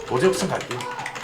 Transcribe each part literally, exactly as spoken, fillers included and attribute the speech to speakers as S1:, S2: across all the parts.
S1: 도제욱선 갈게요.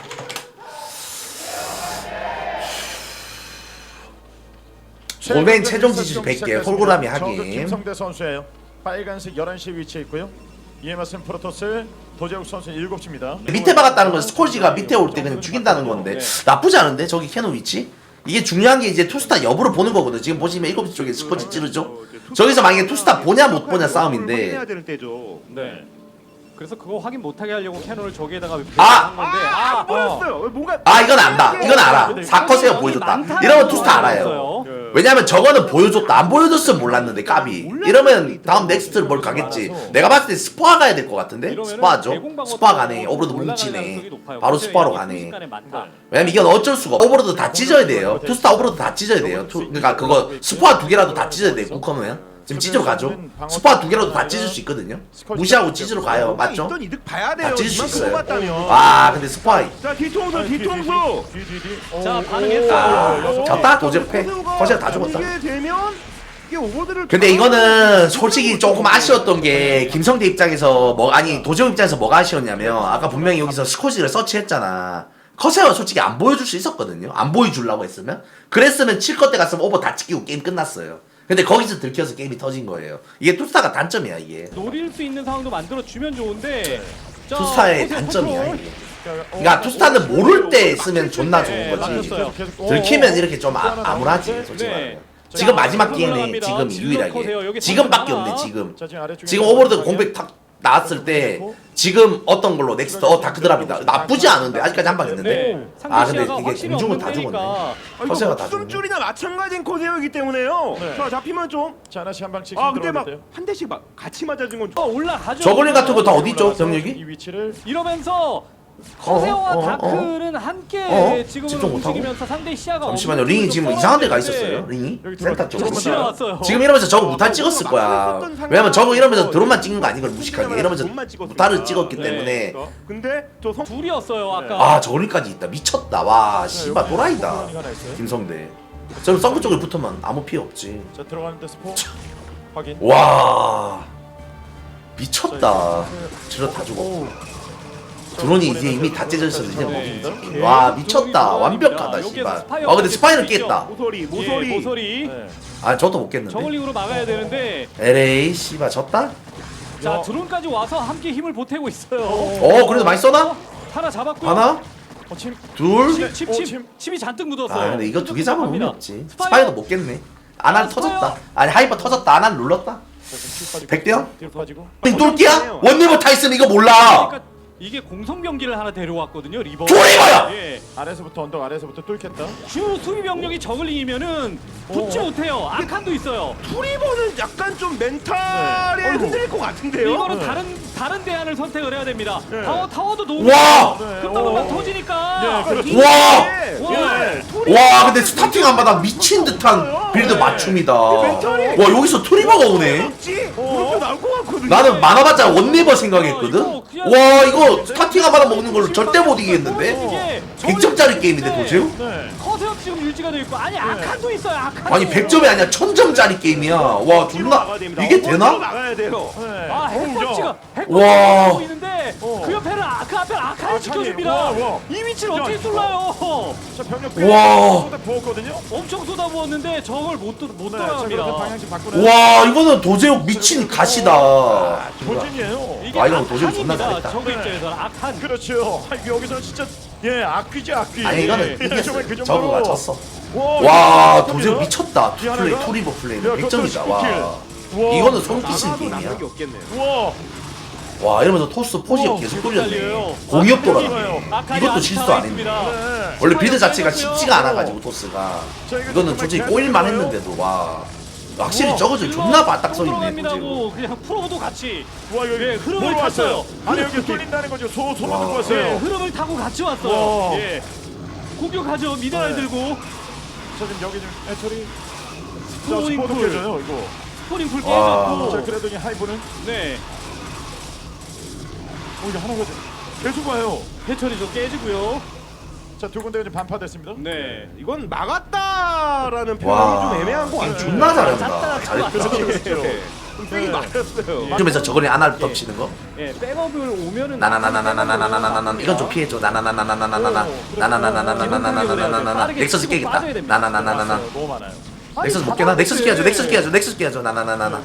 S1: 오멘 최종 지지율 백 개 홀고라미 하긴.
S2: 김성대 선수예요. 빨간색 열한 시 위치에 있고요. 이에 맞선 프로토스 도재욱 선수 일곱 시입니다.
S1: 밑에 박았다는 건 스콜지가 밑에 올 때 그냥 죽인다는 건데 나쁘지 않은데 저기 캐논 위치? 이게 중요한 게 이제 투스타 여부를 보는 거거든. 지금 보시면 일곱 시 쪽에 스콜지 찌르죠? 저기서 만약에 투스타 보냐 못 보냐 싸움인데
S3: 해야 되는 때죠.
S4: 네. 그래서 그거 확인 못하게 하려고 캐논을 저기에다가
S1: 아!
S4: 한 건데
S3: 아,
S4: 아,
S3: 보였어요. 뭔가
S1: 아 이건 안다. 이건 알아. 사컷에요 보여줬다. 이러면 투스타 알아요. 왜냐면 저거는 보여줬다. 안 보여줬으면 몰랐는데 까비. 이러면 다음 넥스트를 뭘 가겠지. 내가 봤을 때 스포아 가야 될 것 같은데? 스포아죠? 스포아 가네. 오버로드 뭉치네. 바로 스포아로 가네. 왜냐면 이건 어쩔 수가 없어. 오버로드 다 찢어야 돼요. 투스타 오버로드 다 찢어야 돼요. 투, 그러니까 그거 스포아 두 개라도 다 찢어야 돼. 국커면. 지금 찢으러 가죠. 스포아 두 개라도 다 찢을 수 있거든요. 무시하고 찢으러 가요. 맞죠?
S3: 있던 이득 봐야 돼요.
S1: 다 찢을 수
S3: 이만큼
S1: 있어요.
S3: 뽑았다면.
S1: 아 근데 스포아
S3: 자 뒤통수 뒤통수.
S4: 자, 반응했어.
S1: 아, 졌다 도제패. 거시가 다 죽었다.
S3: 이게 되면 이게 오버들을
S1: 근데 이거는 솔직히 조금 아쉬웠던 게 김성대 입장에서 뭐 아니 도재욱 입장에서 뭐가 아쉬웠냐면 아까 분명히 여기서 스코지를 서치했잖아. 커세어가 솔직히 안 보여줄 수 있었거든요. 안 보여주려고 했으면 그랬으면 칠 것 때 갔으면 오버 다 찍히고 게임 끝났어요. 근데 거기서 들켜서 게임이 터진 거예요. 이게 투스타가 단점이야 이게.
S4: 노릴 수 있는 상황도 만들어 주면 좋은데 자,
S1: 투스타의
S4: 컨셉
S1: 단점이야
S4: 컨트롤.
S1: 이게. 그러니까 투스타는 모를 때 쓰면 존나 좋은
S4: 네,
S1: 거지.
S4: 맞췄어요.
S1: 들키면 이렇게 좀 아, 암울하지 솔직히
S4: 네.
S1: 말하면. 지금 마지막 기회네. 지금 유일하게. 지금밖에 없네 지금. 지금 오버로드 공백 탁 나왔을 때 지금 어떤 걸로 넥스트 어 다크드랍이다. 나쁘지 않은데 아직까지 한 방 있는데.
S4: 네.
S1: 아 근데
S4: 상대
S1: 이게
S4: 시야가
S1: 공중은 다
S4: 확실히
S1: 죽었네.
S4: 없는 데니까.
S1: 커세어가 다 죽었네.
S3: 숨줄이나 마찬가지인 코세어이기 때문에요.
S2: 네.
S3: 자 잡히면 좀.
S2: 자 하나씩 한 방씩.
S3: 아 근데 막
S2: 들어오는데요.
S3: 한 대씩 막 같이 맞아준 건.
S4: 어, 올라가죠.
S1: 저글링 같은 거 다 어디 있죠
S2: 올라가서
S1: 병력이?
S2: 이 위치를
S4: 이러면서 커세어와
S1: 어, 어,
S4: 다크는 함께
S1: 어?
S4: 지금은
S1: 집중 못하고?
S4: 움직이면서 상대 시야가
S1: 잠시만요.
S4: 없는
S1: 링이 지금
S4: 쪽으로
S1: 이상한 데가
S4: 떨어지는데
S1: 있었어요. 링이
S2: 여기
S1: 센터
S2: 들어왔죠.
S1: 쪽으로.
S4: 지나왔어요.
S1: 지금 이러면서 저거 무탈 찍었을 거야. 왜냐면 저거 이러면서 드론만 찍는 거 아닌 걸 무식하게 이러면서 무탈을 찍었기
S4: 네.
S1: 때문에
S3: 근데 저 성.
S4: 둘이었어요 아까.
S1: 아 저글링까지 있다. 미쳤다. 와 씨발 또라이다. 김성대. 저는 썬크 쪽에 붙으면 아무 피해 없지.
S2: 자 들어가는데 스포 확인.
S1: 와 미쳤다. 질러 다 죽어. 드론이 이제 이미 다 찢어져 있어서 이제
S4: 네.
S1: 먹인다. 와 미쳤다. 완벽하다 씨발. 아 근데 스파이는 깼다.
S3: 모서리
S4: 예,
S3: 모서리.
S4: 모서리.
S2: 네.
S1: 아 저도 못 깼는데.
S4: 저글링으로 막아야 되는데
S1: 엘에이 씨발 졌다?
S4: 자 드론까지 와서 함께 힘을 보태고 있어요.
S1: 어 그래도 많이 써나?
S4: 하나 잡았고요.
S1: 하나?
S2: 어, 침.
S1: 둘?
S4: 칩, 칩,
S2: 오,
S4: 칩,
S2: 침.
S4: 칩이 잔뜩 묻었어요.
S1: 아 근데 이거 두 개 잡으면 의미
S4: 갑니다.
S1: 없지.
S4: 스파이어.
S1: 스파이도 못 깼네. 아난
S4: 아,
S1: 터졌다.
S4: 스파이어.
S1: 아니 하이퍼 터졌다. 아난 눌렀다. 백 대요?
S2: 뒤로 빠지고.
S1: 똘끼야? 원리버 타이슨 이거 몰라.
S4: 그러니까 이게 공성 병기를 하나 데려왔거든요 리버.
S1: 조리버야!
S4: 예.
S2: 아래서부터 언덕 아래서부터 뚫겠다.
S4: 주 수비 병력이 저글링이면은 붙지
S2: 어.
S4: 못해요. 아칸도 있어요.
S3: 투리버는 약간 좀 멘탈이
S2: 네.
S3: 흔들릴 것 같은데요.
S4: 이거는
S2: 네.
S4: 다른 다른 대안을 선택을 해야 됩니다.
S3: 네.
S4: 타워 타워도 너무
S1: 와!
S4: 금방금방
S2: 어.
S4: 터지니까.
S2: 네, 그렇죠.
S1: 와!
S3: 와.
S1: 와 근데 스타팅 한 바닥 미친 듯한 빌드 맞춤이다. 와 여기서 트리버가 오네.
S3: 없지. 그렇게 나올 것 같거든요.
S1: 나는 많아봤자 원리버 생각했거든.
S4: 어, 이거 그냥-
S1: 와 이거 스타팅 한 바닥 먹는 걸로 절대 못 이기겠는데?
S4: 이게
S1: 백 점짜리 게임인데 도저히?
S2: 네.
S4: 커세어 지금 유지가 돼 있고 아니 아칸도 있어요. 아칸.
S1: 아니 백 점이 아니라 천 점짜리 게임이야. 와 존나 이게 되나?
S3: 나가야 돼요.
S2: 네.
S4: 아 핵펀치가
S1: 와.
S4: 핵펀치가 하고 있는데
S2: 어.
S4: 그 옆에는 아카 앞에 아칸이
S2: 아칸이,
S4: 지켜줍니다.
S2: 와, 와.
S4: 이 위치를
S2: 야,
S4: 어떻게
S2: 이거.
S4: 쏠라요?
S2: 자 병력
S1: 와.
S2: 쏟아 부었거든요.
S4: 엄청 쏟아부었는데 저걸 못, 못
S2: 네. 자
S4: 돌아갑니다.
S2: 그래서 방향씩 바꾸는.
S1: 와 이거는 도제욱 미친 가시다.
S2: 본진이에요.
S4: 이게
S1: 아, 이거 도저히 존나
S4: 아칸입니다.
S1: 잘했다.
S4: 저그
S2: 네.
S4: 입장에서는 아칸.
S2: 그렇죠. 아, 여기서 진짜 예 악귀지 악귀.
S1: 아니 이거는
S2: 예,
S1: 이겼어.
S2: 정말 그 정도로.
S1: 저거가 졌어.
S2: 와,
S1: 와
S2: 이거
S1: 도제욱
S2: 톱니다.
S1: 미쳤다.
S2: 이
S1: 플레이
S2: 하나가?
S1: 투리버 플레이
S2: 야,
S1: 백 점이다. 와
S2: 와.
S1: 이거는 소름 끼치는
S3: 나가도
S1: 게임이야.
S3: 나가기 없겠네요.
S2: 와.
S1: 와 이러면서 토스 포지업
S2: 우와,
S1: 계속
S4: 달려요.
S1: 돌렸네. 공이업 돌아.
S4: 아칸이
S1: 이것도
S4: 아직
S1: 실수
S4: 살아있습니다.
S1: 아닙니다.
S2: 네.
S1: 원래 빌드 자체가
S4: 빨리
S1: 쉽지가
S4: 빨리
S1: 않아가지고 토스가
S2: 자, 이거
S1: 이거는
S2: 정말
S1: 솔직히
S2: 계속
S1: 꼬일만
S2: 들어가요?
S1: 했는데도 와 확실히
S2: 우와.
S1: 저거들 존나 바닥 서 있네.
S4: 들어갑니다고 그냥 프로도 같이
S2: 와 여기
S4: 예, 흐름을
S2: 뭘 왔어요?
S4: 탔어요.
S2: 아니 여기 뚫린다는 거죠. 소 소문
S1: 와.
S2: 듣고
S4: 예,
S2: 왔어요.
S4: 흐름을 타고 같이
S2: 와.
S4: 왔어요. 예. 공격하죠. 미네랄
S2: 네.
S4: 들고
S2: 저 지금 여기 좀 해처리. 자
S4: 스포닝
S2: 스포도
S4: 풀.
S2: 깨져요 이거.
S4: 스포닝 풀
S1: 와.
S4: 깨졌고.
S2: 자 그래도 이 하이브는
S4: 네.
S2: 어 이거 하나가 계속 와요.
S4: 해처리도 깨지고요.
S2: 자두 군데가 지금 반파됐습니다.
S4: 네.
S3: 이건 막았다라는 표현이
S1: 와
S3: 좀 애매한 것 같아요.
S1: 존나 잘한다.
S4: 짰다,
S1: 잘했다.
S2: 그렇죠.
S3: 네. 좀 세게 맞았어요.
S1: 이러면서 저거리 아날 덮치는 거.
S4: 예, 백업을 오면은
S1: 나나나나나나나나나나나 이건 좀 피해줘. 나나나나나나나나나 나나나나나나나나나 넥서스 깨겠다. 나나나나나나
S2: 너무 많아요.
S1: 넥서스 못 깨나? 넥서스 깨야죠. 넥서스 깨야죠. 넥서스 깨야죠. 나나나나나.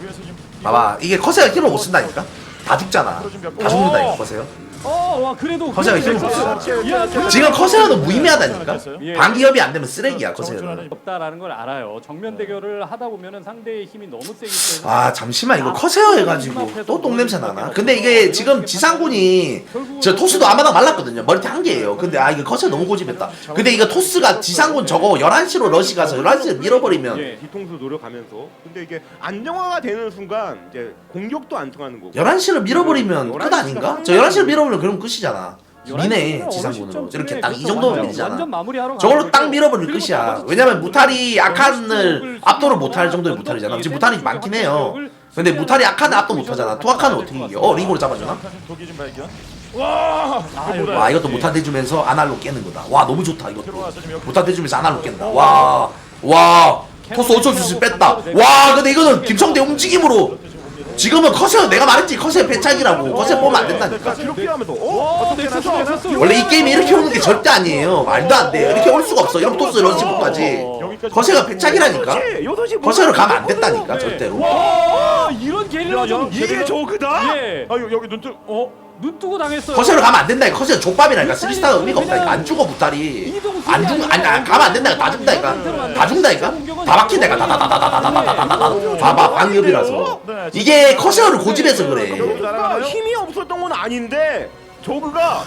S1: 봐봐 이게 커세가 힐을 못 쓴다니까. 다 죽잖아. 다 죽는다 이거 커세요.
S4: 어, 와 그래도
S1: 커세가 힘을 못 써. 지금 커세어는 무의미하다니까. 방기협이 안 되면 쓰레기야 커세어는.
S4: 없다라는 걸 알아요. 정면 대결을 하다 보면은 상대의 힘이 너무 세기 때문에.
S1: 아 잠시만 이거 커세어 해가지고 또 똥냄새 나나? 근데 이게 지금 지상군이 저 토스도 아마당 말랐거든요. 머리띠 한 개예요. 근데 아 이게 커세어 너무 고집했다. 근데 이거 토스가 지상군 저거 열한 시로 러시 가서 열한 시에 밀어버리면
S3: 예, 뒤통수 노려가면서. 근데 이게 안정화가 되는 순간 이제 공격도 안 통하는 거고.
S1: 열한 시를 밀어버리면 끝 아닌가? 저 열한 시를 밀어버리면 그럼 끝이잖아. 미네 지상군으로 이렇게 딱 이 정도면 밀리잖아.
S4: 완전 마무리하러
S1: 저걸로 딱 밀어버릴
S4: 그리고
S1: 끝이야.
S4: 나머지
S1: 왜냐면 무탈이
S4: 지금
S1: 아칸을 압도를 못할 정도의 무탈이잖아. 지금 무탈이 많긴 해요. 근데 무탈이 아칸을 압도 못하잖아. 투아칸을 어떻게 이겨? 어 링으로 잡아주나?
S2: 독이 좀 발견. 와.
S1: 와 이것도 무탈 대주면서 아날로 깨는 거다. 와 너무 좋다 이것도.
S2: 들어와서 지금 여기
S1: 무탈 대주면서 아날로 깬다. 와. 와. 토스 어쩔 수 없이 뺐다. 와 근데 이거는 김성대 움직임으로 지금은 커세어 내가 말했지 커세어 배착이라고. 커세어 뽑으면 안 된다니까.
S3: 뒤로 피하면서 어?
S4: 와,
S3: 어떻게
S4: 넥서스,
S3: 하나
S4: 넥서스.
S1: 원래 이 게임이 이렇게 오는 게 절대 아니에요. 말도 안 돼요. 이렇게 올 수가 없어. 이런 토스 이런 식으로까지. 커세어가 배착이라니까. 커세어로 가면 안 된다니까 절대로.
S4: 와, 이런 게릴라전
S3: 이게 저그다?
S4: 예.
S2: 아 여기 여기 눈뜨 어?
S4: 눈 뜨고 당했어요.
S1: 커세어로 가면 안 된다니까. 커세어 족밥이라니까. 쓰리스타가 의미가 없다니까. 안 죽어 무탈이. 안 죽, 아니 안 가면 안 된다니까. 다 죽는다니까. 다 죽는다니까. 다 박힌다니까. 다다다다다다다다다다. 봐봐 방위협이라서. 이게 커세어를 고집해서 그래.
S3: 저그가 힘이 없었던 건 아닌데 저그가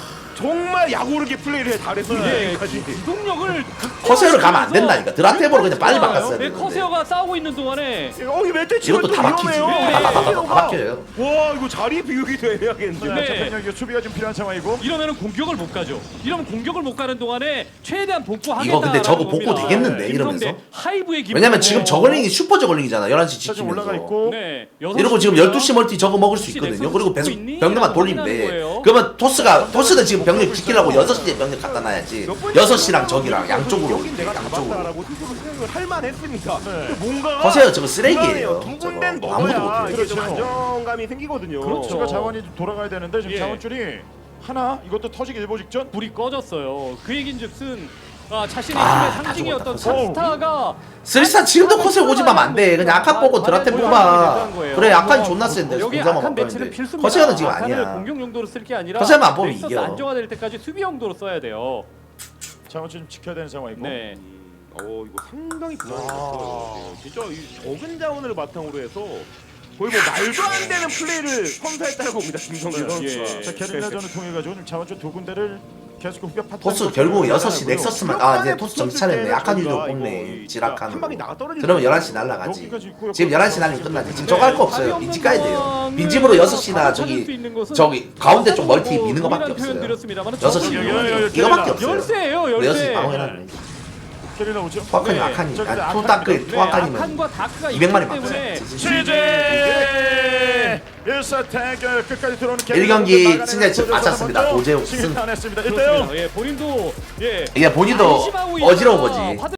S3: 정말 약오르게 플레이를 해 잘했어요.
S4: 예,
S3: 여기까지.
S4: 기동력을
S1: 커세어로 가면 안 된다니까. 드라테보로 그냥 빨리 바꿨어야
S4: 네,
S1: 되는데.
S4: 커세어가 싸우고 있는 동안에
S3: 어, 이 멧돼지
S1: 이것도 다 박히지. 다다다다다 다 박혀요.
S3: 와, 이거 자리 비우기 도 애매하겠는데.
S4: 네.
S2: 자, 병력이 수비가 좀 필요한 상황이고.
S4: 이러면은 공격을 못 가죠. 이러면 공격을 못 가는 동안에 최대한 복구하겠다.
S1: 이거 근데 저거 복구 되겠는데 이러면서.
S4: 하이브의 기분.
S1: 왜냐면 지금 저글링이 슈퍼 저글링이잖아. 열한 시
S2: 자, 지금 올라가
S1: 지키면서.
S2: 있고.
S4: 네.
S1: 이러고 지금 열두 시 멀티 저거 먹을 수 있거든요. 그리고 배속 병력만 돌리면 돼. 그러면 토스가 토스는 지금 병력 지키려고 여섯 시에 병력 갖다 놔야지. 여섯 시랑 저기랑 양쪽으로
S3: 여긴 내가
S1: 양쪽으로.
S3: 잡았다라고 스스로 생각을 할 만했습니다.
S2: 네.
S3: 근데 뭔가
S1: 커세어 저거 쓰레기예요.
S3: 두
S1: 저거
S3: 군데는
S1: 아무도
S3: 먹어야
S1: 못해.
S3: 이게 좀
S2: 그렇죠.
S3: 안정감이 생기거든요.
S4: 그렇죠.
S2: 추가 자원이 좀 돌아가야 되는데 지금
S4: 예.
S2: 자원줄이 하나 이것도 터지기 일보 직전.
S4: 불이 꺼졌어요. 그 얘긴즉슨 아, 자신의
S1: 아,
S4: 힘의
S1: 다
S4: 상징이었던
S1: 죽었다, 커세어.
S4: 탑스타가
S1: 쓰리스타 지금도 커세어 고집하면 안 돼. 그냥 아칸 보고 드라템 뽑아. 그래 아칸 존나 센데
S4: 여기
S1: 공자만
S4: 아칸 매치는
S1: 바꿨는데.
S4: 필수입니다.
S1: 커세어는 지금
S4: 아칸을
S1: 아니야.
S4: 공격 용도로 쓸 게 아니라
S1: 커세어만 안 보면
S4: 넥서스
S1: 이겨.
S4: 안정화될 때까지 수비 용도로 써야 돼요.
S2: 자원줄 좀 지켜야 되는 상황이고.
S4: 네.
S3: 음, 어 이거 상당히
S2: 아.
S3: 불안했어요. 진짜 이 적은 자원을 바탕으로 해서 거의 뭐 말도 안 되는 플레이를 선사했다고 봅니다 김성규 선수가.
S4: 예.
S2: 자 게릴라전을 통해 가지고 지금 자원줄 두 군데를 계속 후벼 파트.
S1: 토스 결국 여섯 시 넥서스만 아 이제 토스 정신 차렸네. 아칸 유저 뽑네. 지라칸.
S3: 한 방에 나가 떨어지는.
S1: 그러면 열한 시 날라가지. 지금 열한 시 날리면 끝나지. 지금 저거 할 거 없어요. 빈집 가야 돼요. 빈집으로 여섯 시나 저기 저기 가운데 쪽 멀티 미는 거밖에 없어요. 여섯 시 이거밖에 없어요.
S4: 열쇠예요,
S1: 우리 여섯 시
S4: 열쇠.
S1: 방어해놨네.
S2: 게릴라 오죠.
S1: 투아칸이
S4: 네.
S1: 아칸이
S2: 저기
S1: 아니
S2: 아칸-
S1: 투다크
S2: 네,
S1: 투아칸이면
S4: 아칸과 다크가
S1: 이백 마리
S4: 있기 때문에
S1: 맞지.
S2: 시제 일사 대결 끝까지 들어오는
S1: 일 경기 승자 지금 마쳤습니다. 오재욱 승.
S2: 승리 탄했습니다. 일 대 영.
S4: 그렇습니다. 예, 본인도 예
S1: 이게 본인도
S4: 안심하고
S1: 어지러운
S4: 있다가
S1: 거지.